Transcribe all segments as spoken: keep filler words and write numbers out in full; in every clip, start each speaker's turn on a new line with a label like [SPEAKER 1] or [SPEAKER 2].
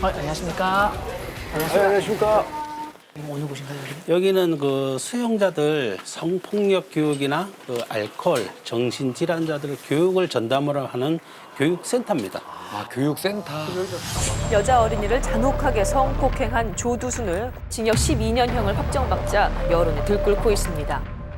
[SPEAKER 1] 어, 안녕하십니까.
[SPEAKER 2] 안녕하십니까. 안녕하십니까.
[SPEAKER 1] 어느 곳인가요, 여기?
[SPEAKER 3] 여기는 그 수용자들 성폭력 교육이나 그 알코올, 정신질환자들 교육을 전담으로 하는 교육센터입니다.
[SPEAKER 2] 아, 교육센터.
[SPEAKER 4] 여자 어린이를 잔혹하게 성폭행한 조두순을 징역 십이 년형을 확정받자 여론이 들끓고 있습니다.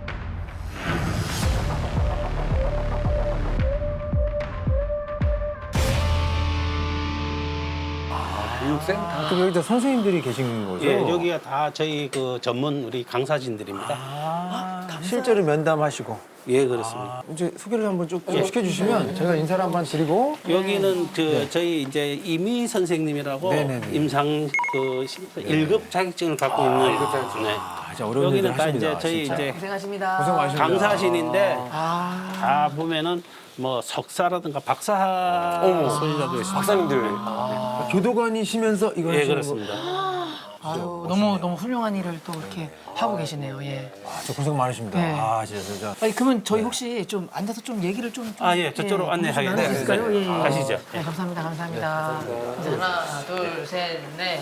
[SPEAKER 2] 교육센터. 그럼 여기다 선생님들이 계신 거죠?
[SPEAKER 3] 예, 여기가 다 저희 그 전문 우리 강사진들입니다.
[SPEAKER 2] 아, 실제로 면담하시고.
[SPEAKER 3] 예, 그렇습니다.
[SPEAKER 2] 이제 소개를 한번 쭉 시켜주시면 제가 인사를 한번 드리고.
[SPEAKER 3] 여기는 저 저희 이제 이미 선생님이라고
[SPEAKER 2] 네네네.
[SPEAKER 3] 임상 그 일 급 자격증을 갖고 있는 일 급 자격증. 네.
[SPEAKER 2] 아, 진짜 어려운
[SPEAKER 3] 여기는
[SPEAKER 2] 일들
[SPEAKER 3] 다
[SPEAKER 2] 하십니다,
[SPEAKER 3] 이제 저희
[SPEAKER 2] 진짜.
[SPEAKER 3] 이제
[SPEAKER 1] 고생하십니다.
[SPEAKER 2] 고생 많으십니다.
[SPEAKER 3] 강사진인데
[SPEAKER 1] 아,
[SPEAKER 3] 다 보면은 뭐 석사라든가 박사 소유자도 있습니다.
[SPEAKER 2] 박사님들. 아, 교도관이시면서 이걸
[SPEAKER 3] 예,
[SPEAKER 2] 하시는
[SPEAKER 3] 그렇습니다.
[SPEAKER 1] 아유, 너무 너무 훌륭한 일을 또 이렇게 하고 계시네요. 예.
[SPEAKER 2] 거. 아, 저 고생 많으십니다.
[SPEAKER 1] 네.
[SPEAKER 2] 아, 진짜 진짜.
[SPEAKER 1] 아니 그러면 저희 혹시 좀 앉아서 좀 얘기를 좀, 좀
[SPEAKER 3] 아, 예, 저쪽으로 안내하겠습니다.
[SPEAKER 1] 나눌 수 있을까요?
[SPEAKER 3] 네,
[SPEAKER 1] 예, 예.
[SPEAKER 3] 가시죠.
[SPEAKER 1] 네, 감사합니다, 감사합니다. 이제 하나, 둘, 셋, 넷.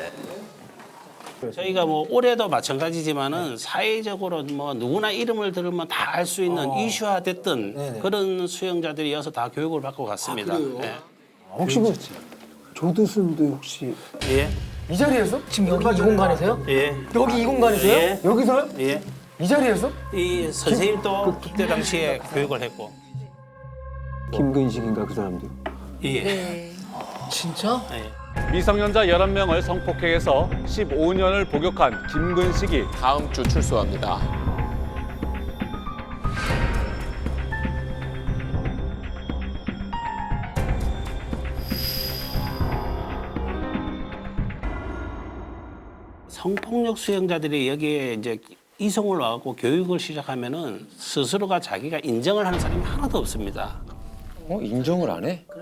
[SPEAKER 3] 저희가 뭐 올해도 마찬가지지만은 사회적으로 뭐 누구나 이름을 들으면 다 알 수 있는 이슈화됐던
[SPEAKER 2] 네네.
[SPEAKER 3] 그런 수용자들이어서 다 교육을 받고 갔습니다. 예.
[SPEAKER 2] 혹시 뭐 조두순도 혹시
[SPEAKER 3] 예.
[SPEAKER 2] 이 자리에서?
[SPEAKER 1] 지금 여기 이 공간에서요?
[SPEAKER 3] 예.
[SPEAKER 2] 여기 이 공간에서요?
[SPEAKER 3] 예.
[SPEAKER 2] 여기서요?
[SPEAKER 3] 예.
[SPEAKER 2] 이 자리에서?
[SPEAKER 3] 이 선생님도 그때 당시에 교육을 했고.
[SPEAKER 5] 김근식인가 그 사람들.
[SPEAKER 3] 예.
[SPEAKER 1] 진짜?
[SPEAKER 3] 예.
[SPEAKER 6] 미성년자 열한 명을 성폭행해서 십오 년을 복역한 김근식이
[SPEAKER 7] 다음 주 출소합니다.
[SPEAKER 3] 성폭력 수용자들이 여기에 이제 이송을 와갖고 교육을 시작하면은 스스로가 자기가 인정을 하는 사람이 하나도 없습니다.
[SPEAKER 7] 어? 인정을 안 해?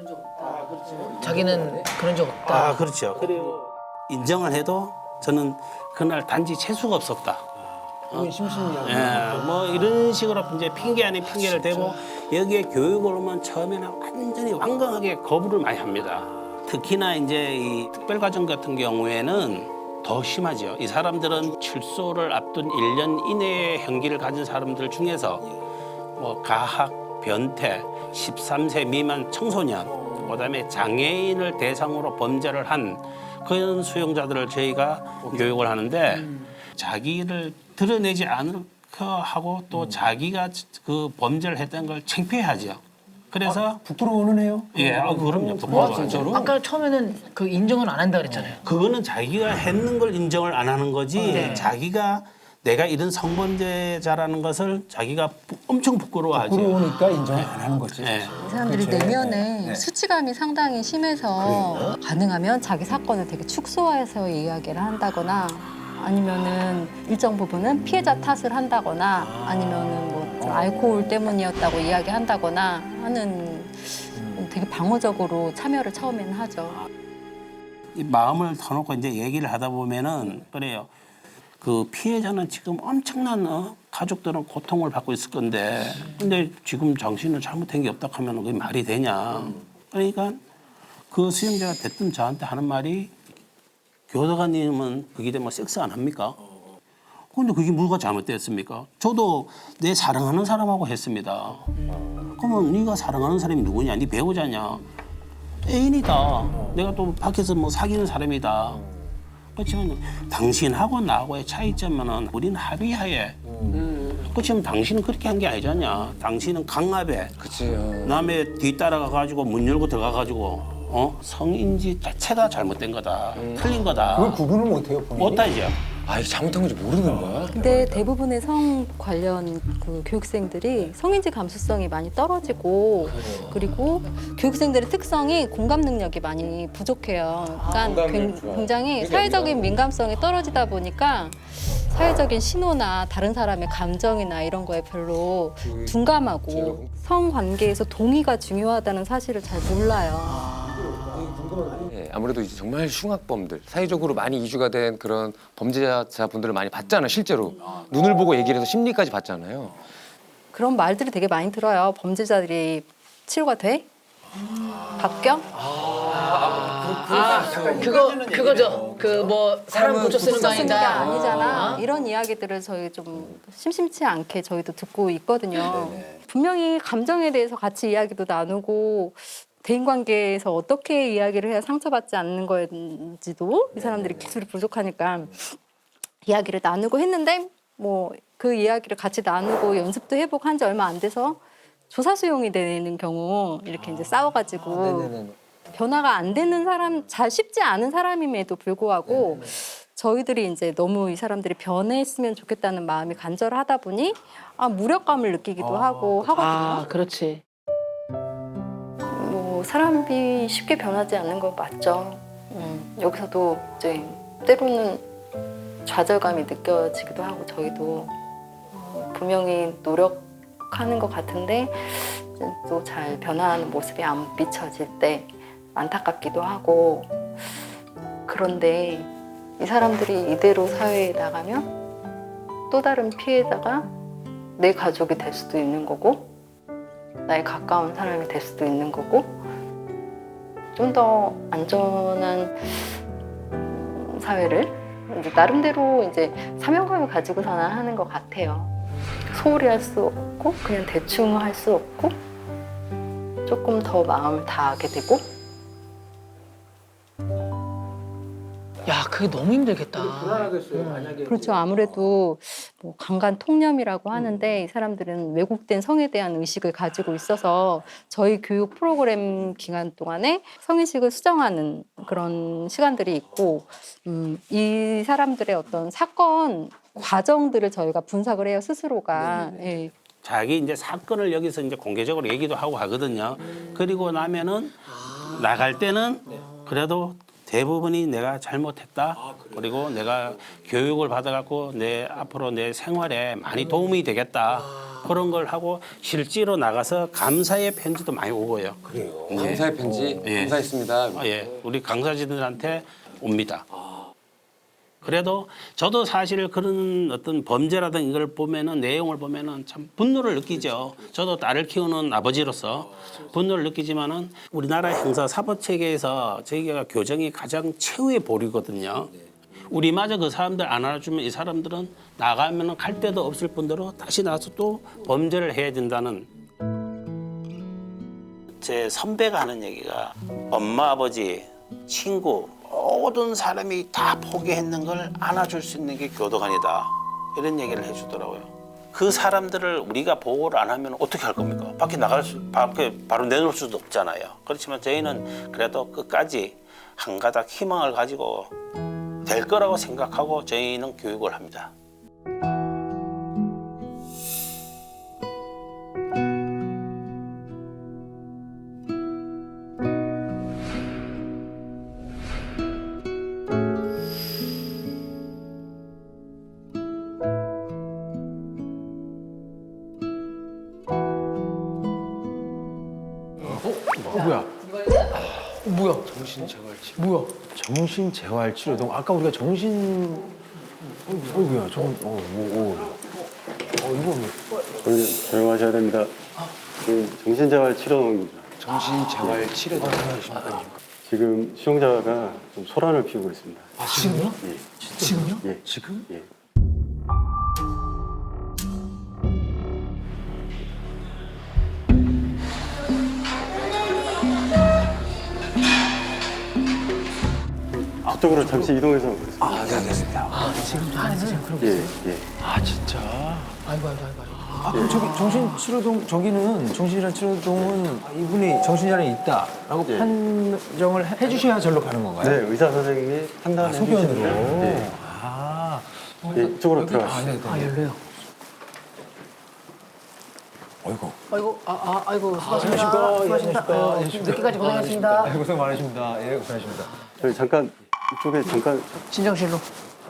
[SPEAKER 1] 자기는 그런 적 없다.
[SPEAKER 3] 아, 그렇죠. 그리고 인정을 해도 저는 그날 단지 재수가 없었다.
[SPEAKER 2] 심심이야.
[SPEAKER 3] 예, 뭐 이런 식으로 이제 핑계 아닌 핑계를 대고 여기에 교육을 오면 처음에는 완전히 완강하게 거부를 많이 합니다. 특히나 이제 이 특별과정 같은 경우에는 더 심하죠. 이 사람들은 출소를 앞둔 일 년 이내의 형기를 가진 사람들 중에서 뭐 가학, 변태, 십삼 세 미만 청소년, 그다음에 장애인을 대상으로 범죄를 한 그런 수용자들을 저희가 교육을 하는데 자기를 드러내지 않을까 하고 또 자기가 그 범죄를 했던 걸 창피해하죠. 그래서
[SPEAKER 2] 부끄러워는 해요?
[SPEAKER 3] 예, 아, 그럼요. 부끄러워하죠.
[SPEAKER 1] 아까 처음에는 그 인정은 안 한다 그랬잖아요.
[SPEAKER 3] 그거는 자기가 했는 걸 인정을 안 하는 거지
[SPEAKER 1] 네.
[SPEAKER 3] 자기가 내가 이런 성범죄자라는 것을 자기가 부- 엄청 부끄러워하죠.
[SPEAKER 2] 부끄러우니까 인정을 안 하는 거지.
[SPEAKER 3] 예.
[SPEAKER 8] 이 사람들이
[SPEAKER 2] 그렇죠.
[SPEAKER 8] 내면에
[SPEAKER 2] 네.
[SPEAKER 8] 수치감이 상당히 심해서 가능하면 자기 사건을 되게 축소해서 이야기를 한다거나 아니면은 일정 부분은 피해자 탓을 한다거나 아니면은 뭐 좀 알코올 때문이었다고 이야기한다거나 하는 되게 방어적으로 참여를 처음에는 하죠.
[SPEAKER 3] 이 마음을 터놓고 이제 얘기를 하다 보면은 그래요. 그 피해자는 지금 엄청난 어? 가족들은 고통을 받고 있을 건데 근데 지금 당신은 잘못된 게 없다 하면 그게 말이 되냐. 그러니까 그 수용자가 됐든 저한테 하는 말이 교도관님은 그게 되면 섹스 안 합니까? 근데 그게 뭐가 잘못됐습니까? 저도 내 사랑하는 사람하고 했습니다. 그러면 네가 사랑하는 사람이 누구냐? 네 배우자냐? 애인이다. 내가 또 밖에서 뭐 사귀는 사람이다. 그렇지만 당신하고 나하고의 차이점은 우리는 합의하에. 그렇지만 당신은 그렇게 한 게 아니잖냐. 당신은 강압에
[SPEAKER 7] 그치.
[SPEAKER 3] 남의 뒤따라가 가지고 문 열고 들어가 가지고 어 성인지 자체가 잘못된 거다. 틀린 거다.
[SPEAKER 2] 그걸 구분을 못해요, 본인이?
[SPEAKER 3] 못하죠.
[SPEAKER 7] 아, 이게 잘못한 건지 모르는 거야?
[SPEAKER 8] 근데 대부분의 성 관련 그 교육생들이 성인지 감수성이 많이 떨어지고 그리고 교육생들의 특성이 공감 능력이 많이 부족해요. 그러니까 굉- 굉장히 사회적인 민감성이 떨어지다 보니까 사회적인 신호나 다른 사람의 감정이나 이런 거에 별로 둔감하고 성관계에서 동의가 중요하다는 사실을 잘 몰라요.
[SPEAKER 7] 예, 아무래도 이제 정말 흉악범들, 사회적으로 많이 이슈가 된 그런 범죄자분들을 많이 봤잖아요, 실제로. 눈을 보고 얘기를 해서 심리까지 봤잖아요.
[SPEAKER 8] 그런 말들이 되게 많이 들어요. 범죄자들이 치료가 돼? 바뀌어?
[SPEAKER 1] 아, 그거 그거죠. 그 뭐 사람 고쳐 쓰는 거
[SPEAKER 8] 고쳐 쓰는 게
[SPEAKER 1] 아니다.
[SPEAKER 8] 아니잖아. 이런 이야기들을 저희 좀 심심치 않게 저희도 듣고 있거든요. 분명히 감정에 대해서 같이 이야기도 나누고 대인관계에서 어떻게 이야기를 해야 상처받지 않는 거인지도 이 사람들이 기술이 부족하니까 이야기를 나누고 했는데 뭐 그 이야기를 같이 나누고 연습도 해보고 한 지 얼마 안 돼서 조사 수용이 되는 경우 이렇게 이제 싸워가지고 변화가 안 되는 사람, 잘 쉽지 않은 사람임에도 불구하고 저희들이 이제 너무 이 사람들이 변했으면 좋겠다는 마음이 간절하다 보니 아, 무력감을 느끼기도 하고 하거든요.
[SPEAKER 1] 아, 그렇지.
[SPEAKER 8] 뭐 사람이 쉽게 변하지 않는 건 맞죠. 음, 여기서도 이제 때로는 좌절감이 느껴지기도 하고 저희도 어, 분명히 노력하는 것 같은데 또 잘 변화하는 모습이 안 비춰질 때 안타깝기도 하고 그런데 이 사람들이 이대로 사회에 나가면 또 다른 피해자가 내 가족이 될 수도 있는 거고 나의 가까운 사람이 될 수도 있는 거고 좀 더 안전한 사회를 이제 나름대로 이제 사명감을 가지고서는 하는 것 같아요. 소홀히 할 수 없고 그냥 대충 할 수 없고 조금 더 마음을 다하게 되고
[SPEAKER 1] 야, 그게 너무 힘들겠다.
[SPEAKER 2] 불안하겠어요. 만약에
[SPEAKER 8] 그렇죠. 아무래도 뭐 강간 통념이라고 하는데 이 사람들은 왜곡된 성에 대한 의식을 가지고 있어서 저희 교육 프로그램 기간 동안에 성인식을 수정하는 그런 시간들이 있고 음, 이 사람들의 어떤 사건 과정들을 저희가 분석을 해요 스스로가. 예.
[SPEAKER 3] 자기 이제 사건을 여기서 이제 공개적으로 얘기도 하고 하거든요. 그리고 나면은 나갈 때는 그래도 대부분이 내가 잘못했다. 그리고 내가 교육을 받아갖고 내 앞으로 내 생활에 많이 도움이 되겠다. 그런 걸 하고 실제로 나가서 감사의 편지도 많이 오고요.
[SPEAKER 2] 그래요.
[SPEAKER 7] 감사의 편지
[SPEAKER 3] 예.
[SPEAKER 7] 감사했습니다.
[SPEAKER 3] 아, 예, 우리 강사진들한테 옵니다. 그래도 저도 사실 그런 어떤 범죄라든 이걸 보면은 내용을 보면은 참 분노를 느끼죠. 저도 딸을 키우는 아버지로서 분노를 느끼지만은 우리나라 형사 사법 체계에서 저희가 교정이 가장 최후의 보류거든요. 우리마저 그 사람들 안 알아주면 이 사람들은 나가면은 갈 데도 없을 뿐더러 다시 나와서 또 범죄를 해야 된다는. 제 선배가 하는 얘기가 엄마, 아버지, 친구 모든 사람이 다 포기했는 걸 안아줄 수 있는 게 교도관이다. 이런 얘기를 해주더라고요. 그 사람들을 우리가 보호를 안 하면 어떻게 할 겁니까? 밖에 나갈 수, 밖에 바로 내놓을 수도 없잖아요. 그렇지만 저희는 그래도 끝까지 한 가닥 희망을 가지고 될 거라고 생각하고 저희는 교육을 합니다.
[SPEAKER 2] 뭐야?
[SPEAKER 1] 뭐야?
[SPEAKER 7] 정신재활치료.
[SPEAKER 1] 뭐야?
[SPEAKER 2] 정신재활치료동. 아까 우리가 정신 어이구야. 정 어, 뭐, 어. 어, 이거 뭐.
[SPEAKER 5] 조용- 조용하셔야 됩니다. 그 정신재활치료동입니다.
[SPEAKER 7] 정신재활치료도
[SPEAKER 5] 지금 수용자가 좀 소란을 피우고 있습니다.
[SPEAKER 1] 아, 지금요?
[SPEAKER 5] 예.
[SPEAKER 1] 지금요?
[SPEAKER 5] 예.
[SPEAKER 2] 지금?
[SPEAKER 5] 예. 저쪽으로 잠시 이동해서 보겠습니다.
[SPEAKER 2] 아, 네, 알겠습니다.
[SPEAKER 1] 아, 지금도 안에서 지금 그러고
[SPEAKER 5] 예,
[SPEAKER 1] 있어요?
[SPEAKER 5] 예.
[SPEAKER 2] 아, 진짜.
[SPEAKER 1] 아이고, 아이고, 아이고. 아이고.
[SPEAKER 2] 아, 그럼 저기 정신치료동, 저기는 정신치료동은 이분이 정신질환이 있다라고
[SPEAKER 5] 예.
[SPEAKER 2] 판정을 해- 해주셔야 절로 가는 건가요?
[SPEAKER 5] 네, 의사 선생님이
[SPEAKER 2] 아,
[SPEAKER 5] 판단해
[SPEAKER 2] 소견으로.
[SPEAKER 5] 주시는데 네.
[SPEAKER 2] 아,
[SPEAKER 5] 예, 이쪽으로
[SPEAKER 2] 아,
[SPEAKER 5] 들어가시죠.
[SPEAKER 2] 네, 네.
[SPEAKER 1] 아, 열려요.
[SPEAKER 2] 어이구.
[SPEAKER 1] 아이고, 아, 아, 아이고, 수고하십니다.
[SPEAKER 2] 안녕하십니까.
[SPEAKER 1] 수고하십니다.
[SPEAKER 2] 안녕하십니까.
[SPEAKER 1] 어,
[SPEAKER 2] 안녕하십니까.
[SPEAKER 1] 늦게까지 고생하셨습니다.
[SPEAKER 2] 아, 고생 많으십니다. 예, 고생하십니다.
[SPEAKER 5] 저희 잠깐 이쪽에 잠깐
[SPEAKER 1] 진정실로.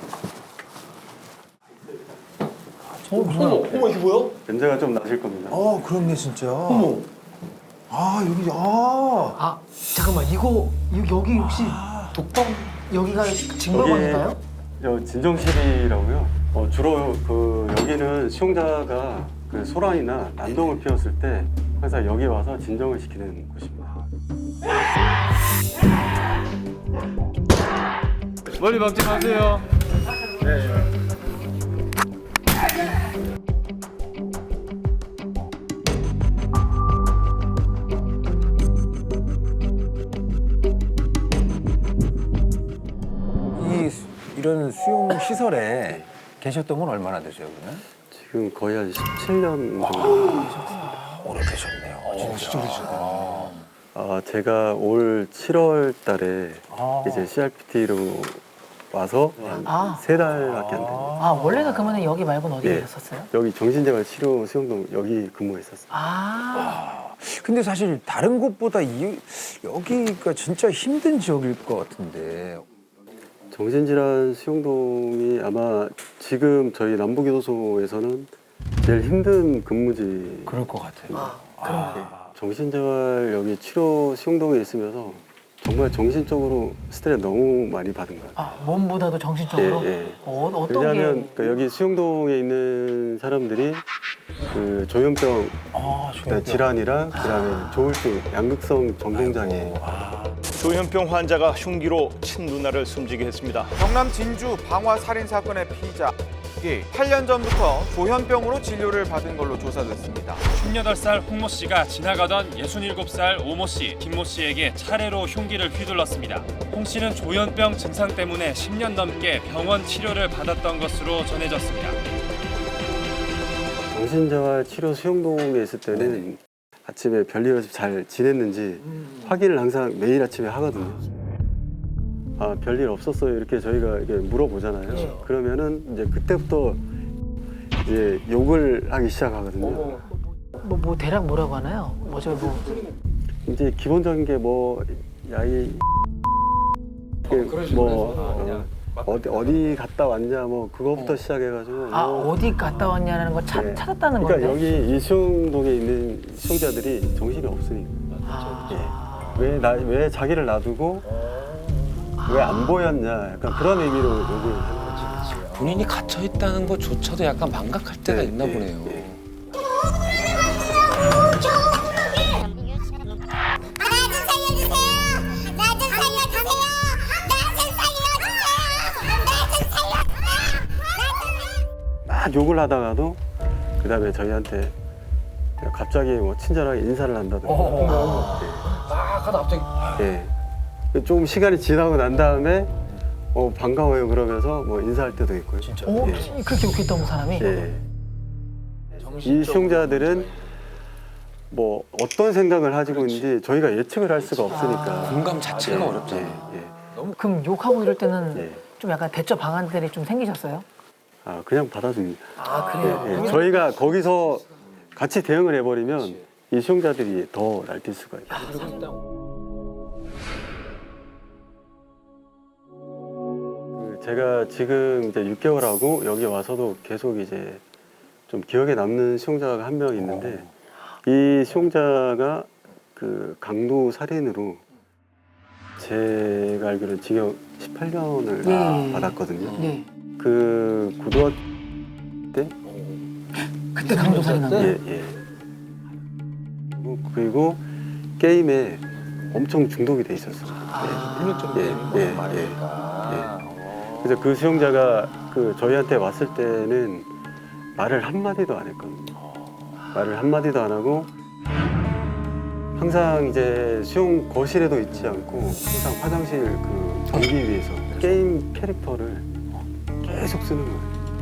[SPEAKER 2] 어, 뭐야?
[SPEAKER 5] 냄새가 좀 나실 겁니다.
[SPEAKER 2] 어, 그렇네, 진짜. 어머. 아, 여기, 아.
[SPEAKER 1] 아, 잠깐만, 이거, 이- 여기 혹시 독방, 여기가 징벌관인가요?
[SPEAKER 5] 저 진정실이라고요. 어, 주로 그 여기는 수용자가 그 소란이나 난동을 피웠을 때 항상 여기 와서 진정을 시키는 곳입니다.
[SPEAKER 2] 멀리 막지 마세요. 이 수- 이런 수용 시설에 계셨던 건 얼마나 되세요, 그러면?
[SPEAKER 5] 지금 거의 한 십칠 년 정도.
[SPEAKER 2] 오래되셨네요. 진짜 오래되셨구나.
[SPEAKER 5] 아, 제가 올 칠월 달에
[SPEAKER 2] 아.
[SPEAKER 5] 이제 씨알피티로 와서
[SPEAKER 1] 아.
[SPEAKER 5] 세 달밖에 안 됐는데
[SPEAKER 1] 아 원래는 그러면 여기 말고는 어디
[SPEAKER 5] 예.
[SPEAKER 1] 계셨어요?
[SPEAKER 5] 여기 정신재활치료 수용동 여기 근무했었어요.
[SPEAKER 1] 아,
[SPEAKER 2] 근데 사실 다른 곳보다 이, 여기가 진짜 힘든 지역일 것 같은데.
[SPEAKER 5] 정신질환 수용동이 아마 지금 저희 남부교도소에서는 제일 힘든 근무지.
[SPEAKER 2] 그럴 것 같아요.
[SPEAKER 1] 아,
[SPEAKER 5] 정신재활 여기 치료 수용동에 있으면서 정말 정신적으로 스트레스 너무 많이 받은 거예요.
[SPEAKER 1] 아 몸보다도 정신적으로.
[SPEAKER 5] 예, 예.
[SPEAKER 1] 어, 어떤
[SPEAKER 5] 왜냐하면
[SPEAKER 1] 게?
[SPEAKER 5] 그 여기 수용동에 있는 사람들이 그 조현병
[SPEAKER 2] 아,
[SPEAKER 5] 그다음에 질환이랑 그다음에 조울증, 양극성 정동장애.
[SPEAKER 9] 조현병 환자가 흉기로 친누나를 숨지게 했습니다.
[SPEAKER 10] 경남 진주 방화 살인 사건의 피의자 팔 년 전부터 조현병으로 진료를 받은 걸로 조사됐습니다.
[SPEAKER 11] 스물여덟 살 홍모 씨가 지나가던 예순일곱 살 오모 씨, 김모 씨에게 차례로 흉기를 휘둘렀습니다. 홍 씨는 조현병 증상 때문에 십 년 넘게 병원 치료를 받았던 것으로 전해졌습니다.
[SPEAKER 5] 정신재활 치료 수용동에 있을 때는 아침에 별일 없이 잘 지냈는지 확인을 항상 매일 아침에 하거든요. 아, 별일 없었어요. 이렇게 저희가 이렇게 물어보잖아요. 그러면은 이제 그때부터 이제 욕을 하기 시작하거든요.
[SPEAKER 1] 뭐, 뭐 대략 뭐라고 하나요? 뭐죠 뭐.
[SPEAKER 5] 이제 기본적인 게 뭐 야이 뭐 어, 어디 어디 갔다 왔냐 뭐 그거부터 시작해가지고
[SPEAKER 1] 아
[SPEAKER 5] 뭐
[SPEAKER 1] 어디 갔다 왔냐는 거 찾,
[SPEAKER 5] 네.
[SPEAKER 1] 찾았다는
[SPEAKER 5] 그러니까
[SPEAKER 1] 건데.
[SPEAKER 5] 여기 이 수용동에 있는 수용자들이 정신이 없으니까
[SPEAKER 1] 아,
[SPEAKER 5] 왜 나 왜 자기를 놔두고 왜 안 보였냐 약간 그런 의미로 욕을 하는 거지.
[SPEAKER 7] 본인이 갇혀 있다는 것조차도 약간 망각할 때가
[SPEAKER 5] 네,
[SPEAKER 7] 있나
[SPEAKER 5] 네,
[SPEAKER 7] 보네요.
[SPEAKER 5] 네. 막 욕을 하다가도 그 다음에 저희한테 갑자기 뭐 친절하게 인사를 한다든가.
[SPEAKER 2] 아, 가다 갑자기.
[SPEAKER 5] 예. 좀 시간이 지나고 난 다음에 어, 반가워요 그러면서 뭐 인사할 때도 있고요. 진짜.
[SPEAKER 1] 오,
[SPEAKER 5] 예.
[SPEAKER 1] 그렇게 웃겼던 사람이.
[SPEAKER 5] 예. 이 수용자들은 뭐 어떤 생각을 가지고 있는지 저희가 예측을 할 수가 없으니까.
[SPEAKER 7] 공감 자체가 어렵잖아요.
[SPEAKER 5] 예, 예.
[SPEAKER 1] 그럼 욕하고 이럴 때는
[SPEAKER 5] 예.
[SPEAKER 1] 좀 약간 대처 방안들이 좀 생기셨어요?
[SPEAKER 5] 아 그냥 받아줍니다.
[SPEAKER 1] 아 그래요?
[SPEAKER 5] 예, 예. 저희가 거기서 같이 대응을 해버리면 이 수용자들이 더 날뛸 수가 있어요. 그 제가 지금 이제 육 개월하고 여기 와서도 계속 이제 좀 기억에 남는 수용자가 한 명 있는데 이 수용자가 그 강도 살인으로 제가 알기로는 징역 십팔 년을
[SPEAKER 1] 예.
[SPEAKER 5] 받았거든요.
[SPEAKER 1] 네.
[SPEAKER 5] 그 고등학교 때
[SPEAKER 1] 그때 강도 살인한 거예요?
[SPEAKER 5] 예, 예. 그리고 게임에 엄청 중독이 돼 있었어요. 예, 예, 예, 예, 예. 그래서 그 수용자가 그 저희한테 왔을 때는 말을 한 마디도 안 했거든요. 말을 한 마디도 안 하고 항상 이제 수용 거실에도 있지 않고 항상 화장실 그 전기 위에서 게임 캐릭터를 계속 쓰는 거예요.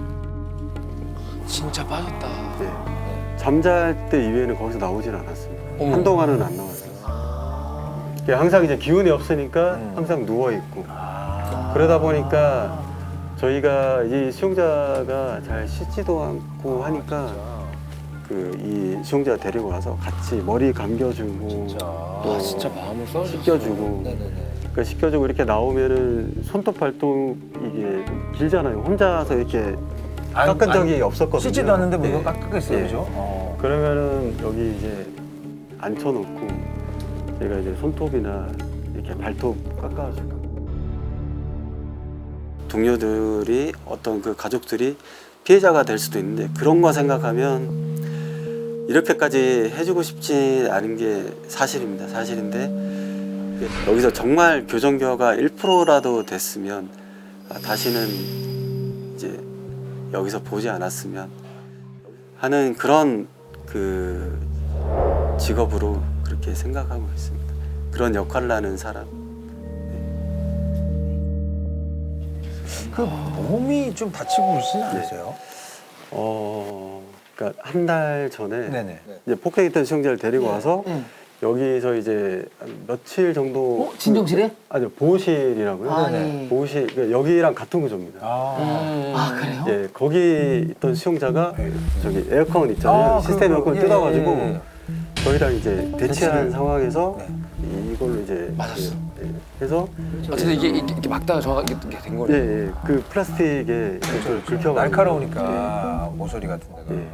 [SPEAKER 7] 진짜 빠졌다.
[SPEAKER 5] 네. 잠잘 때 이외에는 거기서 나오질 않았어요.
[SPEAKER 7] 어머.
[SPEAKER 5] 한동안은 안 나왔어요. 이게 항상 이제 기운이 없으니까 항상 누워 있고 그러다 보니까 저희가 이 수용자가 잘 씻지도 않고 하니까 그 이 수용자 데리고 와서 같이 머리 감겨주고 또
[SPEAKER 7] 아, 진짜 마음을 써
[SPEAKER 5] 씻겨주고 그러니까 씻겨주고 이렇게 나오면은 손톱 발톱 이게 좀 길잖아요. 혼자서 이렇게 깎은 적이 없었거든요.
[SPEAKER 2] 씻지도 않는데 뭐
[SPEAKER 5] 예.
[SPEAKER 2] 이거 깎겠어요,
[SPEAKER 5] 예.
[SPEAKER 2] 그죠? 어.
[SPEAKER 5] 그러면은 여기 이제 앉혀놓고 제가 이제 손톱이나 이렇게 발톱 깎아주고 동료들이 어떤 그 가족들이 피해자가 될 수도 있는데 그런 거 생각하면 이렇게까지 해주고 싶지 않은 게 사실입니다. 사실인데 여기서 정말 교정교화가 일 퍼센트라도 됐으면 아, 다시는 이제 여기서 보지 않았으면 하는 그런 그 직업으로 그렇게 생각하고 있습니다. 그런 역할을 하는 사람.
[SPEAKER 2] 그 몸이 좀 다치고 그러시지 않으세요?
[SPEAKER 5] 어, 그러니까 한 달 전에
[SPEAKER 2] 네네.
[SPEAKER 5] 이제 폭행했던 수용자를 데리고 와서 여기서 이제 한 며칠 정도
[SPEAKER 1] 어? 진정실에?
[SPEAKER 5] 아니요, 보호실이라고요.
[SPEAKER 1] 아,
[SPEAKER 5] 네네.
[SPEAKER 1] 예.
[SPEAKER 5] 보호실 그러니까 여기랑 같은 구조입니다.
[SPEAKER 2] 아,
[SPEAKER 1] 아, 그래요?
[SPEAKER 5] 예, 거기 있던 수용자가 저기 에어컨 있잖아요.
[SPEAKER 2] 아,
[SPEAKER 5] 시스템
[SPEAKER 2] 그,
[SPEAKER 5] 에어컨
[SPEAKER 2] 예,
[SPEAKER 5] 뜯어가지고
[SPEAKER 2] 예, 예.
[SPEAKER 5] 저희랑 이제 대치하는
[SPEAKER 2] 대치를-
[SPEAKER 5] 상황에서
[SPEAKER 2] 네.
[SPEAKER 5] 이걸로 이제
[SPEAKER 7] 맞았어.
[SPEAKER 5] 예, 해서
[SPEAKER 7] 어쨌든 이게, 이게, 이게 막다가 정확하게 된
[SPEAKER 5] 예,
[SPEAKER 7] 거네요.
[SPEAKER 5] 예, 그 플라스틱에 그걸 긁혀가지고
[SPEAKER 2] 날카로우니까 모서리 같은 데가.
[SPEAKER 5] 예.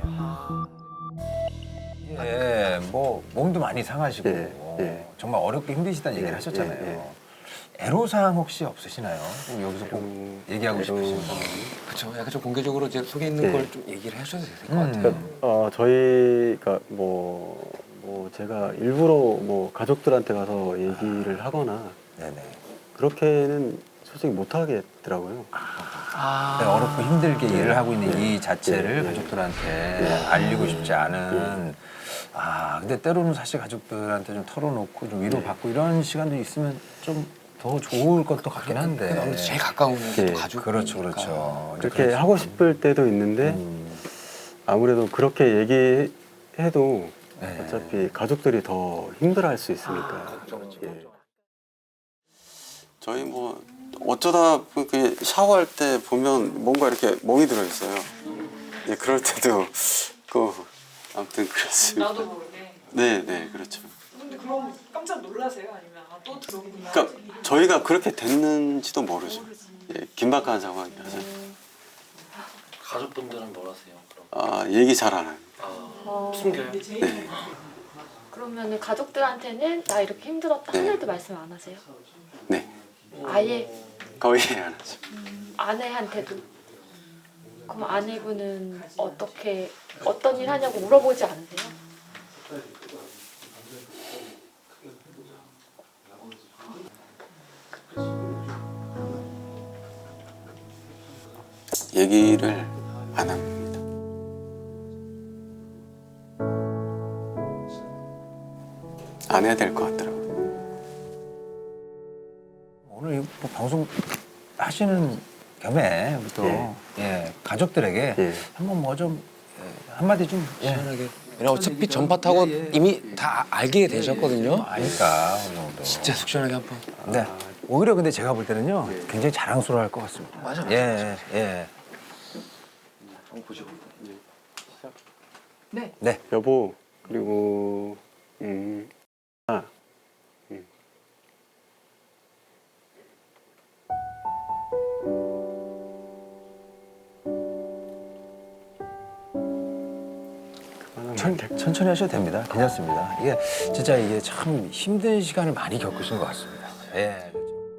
[SPEAKER 2] 예, 뭐 몸도 많이 상하시고
[SPEAKER 5] 예, 예.
[SPEAKER 2] 정말 어렵게 힘드시다는 얘기를
[SPEAKER 5] 예,
[SPEAKER 2] 하셨잖아요.
[SPEAKER 5] 예,
[SPEAKER 2] 애로사항 혹시 없으시나요? 꼭 여기서 꼭
[SPEAKER 5] 음,
[SPEAKER 2] 얘기하고 싶으신 거.
[SPEAKER 7] 그렇죠. 약간 좀 공개적으로 이제 속에 있는
[SPEAKER 5] 네.
[SPEAKER 7] 걸 좀 얘기를 해주셔도 될 것
[SPEAKER 2] 음.
[SPEAKER 7] 같아요.
[SPEAKER 5] 그러니까 어, 저희가 뭐, 뭐 제가 일부러 뭐 가족들한테 가서 얘기를 하거나
[SPEAKER 2] 네네.
[SPEAKER 5] 그렇게는 솔직히 못 하겠더라고요.
[SPEAKER 1] 아.
[SPEAKER 2] 내가 어렵고 힘들게 일을 하고 있는 이 자체를
[SPEAKER 5] 네.
[SPEAKER 2] 가족들한테 알리고 싶지 않은. 아, 근데 때로는 사실 가족들한테 좀 털어놓고 좀 위로받고 이런 시간도 있으면 좀 더 좋을 것도 같긴 한데.
[SPEAKER 7] 아무래도 제일 가까운 게
[SPEAKER 5] 예.
[SPEAKER 7] 가족.
[SPEAKER 2] 그렇죠, 그렇죠. 이제
[SPEAKER 5] 그렇게
[SPEAKER 2] 그렇죠.
[SPEAKER 5] 하고 싶을 때도 있는데
[SPEAKER 2] 음.
[SPEAKER 5] 아무래도 그렇게 얘기해도
[SPEAKER 2] 네.
[SPEAKER 5] 어차피 가족들이 더 힘들어할 수 있으니까. 예. 저희 뭐 어쩌다 그 샤워할 때 보면 뭔가 이렇게 멍이 들어 있어요. 예, 그럴 때도 그 아무튼 그렇습니다.
[SPEAKER 12] 나도 모르게.
[SPEAKER 5] 네, 네, 그렇죠.
[SPEAKER 12] 근데 그럼 깜짝 놀라세요? 아니면 아, 또 들어오구나?
[SPEAKER 5] 그러니까 저희가 그렇게 됐는지도 모르죠. 예, 긴박한 상황이라서.
[SPEAKER 13] 가족분들은 뭘 하세요? 그럼?
[SPEAKER 5] 아, 얘기 잘 안 합니다.
[SPEAKER 13] 아, 숨겨요?
[SPEAKER 5] 네.
[SPEAKER 12] 그러면 가족들한테는 나 이렇게 힘들었다
[SPEAKER 5] 네.
[SPEAKER 12] 하나도 말씀 안 하세요?
[SPEAKER 5] 네.
[SPEAKER 12] 아예
[SPEAKER 5] 거의 안 하죠.
[SPEAKER 12] 아내한테도? 그럼 아내분은 어떻게 어떤 일 하냐고 물어보지 않으세요?
[SPEAKER 5] 얘기를 안 합니다. 안 해야 될 것 같더라고요.
[SPEAKER 2] 오늘 뭐 방송 하시는 겸에 우리 또
[SPEAKER 5] 예.
[SPEAKER 2] 예, 가족들에게
[SPEAKER 5] 예.
[SPEAKER 2] 한번 뭐 좀 예, 한마디 좀 예.
[SPEAKER 7] 시원하게. 왜냐면 어차피 전파 타고 이미 다 알게 되셨거든요.
[SPEAKER 2] 아니까 어느 정도.
[SPEAKER 7] 진짜 속 시원하게 한 번.
[SPEAKER 2] 네. 오히려 근데 제가 볼 때는요 굉장히 자랑스러워할 것 같습니다.
[SPEAKER 7] 맞아.
[SPEAKER 2] 예, 예.
[SPEAKER 1] 네.
[SPEAKER 2] 네.
[SPEAKER 5] 여보, 그리고 음, 아, 음.
[SPEAKER 2] 천, 천천히 하셔도 됩니다. 괜찮습니다. 이게 진짜 이게 참 힘든 시간을 많이 겪으신 것 같습니다. 예.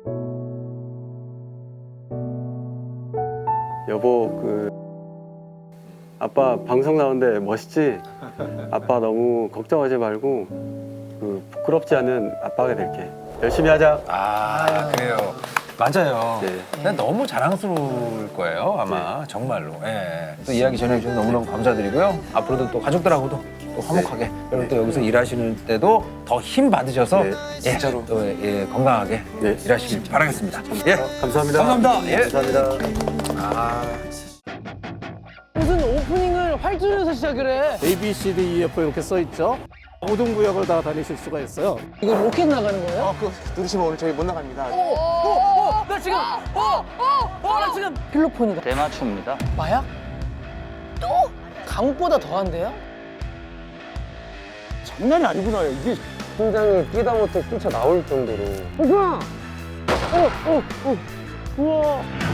[SPEAKER 5] 여보, 그 아빠 방송 나오는데 멋있지? 아빠 너무 걱정하지 말고 그 부끄럽지 않은 아빠가 될게. 열심히 하자.
[SPEAKER 2] 아, 그래요. 맞아요.
[SPEAKER 5] 네.
[SPEAKER 2] 근데 너무 자랑스러울 거예요, 아마. 정말로. 예. 또 이야기 전해주셔서 너무너무 감사드리고요. 앞으로도 또 가족들하고도 또 화목하게, 그리고 또 여기서 일하시는 때도 더 힘 받으셔서
[SPEAKER 5] 네.
[SPEAKER 2] 예,
[SPEAKER 7] 진짜로.
[SPEAKER 2] 또 예, 건강하게
[SPEAKER 5] 네.
[SPEAKER 2] 일하시길 바라겠습니다. 예.
[SPEAKER 5] 감사합니다.
[SPEAKER 2] 감사합니다. 예.
[SPEAKER 5] 감사합니다.
[SPEAKER 2] 아.
[SPEAKER 1] 무슨 오프닝을 활주로에서 시작을 해.
[SPEAKER 14] A, B, C, D, E, F 이렇게 써 있죠. 모든 구역을 다 다니실 수가 있어요.
[SPEAKER 1] 이거 로켓 나가는 거예요?
[SPEAKER 14] 아, 그거 누르시면 오늘 저희 못 나갑니다.
[SPEAKER 1] 오, 오, 오, 나 지금, 오, 오, 오, 나 지금 필로폰이다.
[SPEAKER 13] 대마초입니다.
[SPEAKER 1] 마약? 또? 감옥보다 더한데요?
[SPEAKER 14] 장난이 아니구나. 이게
[SPEAKER 5] 심장이 뛰다 못해 뛰쳐 나올 정도로.
[SPEAKER 1] 오빠! 어, 어, 어, 우와.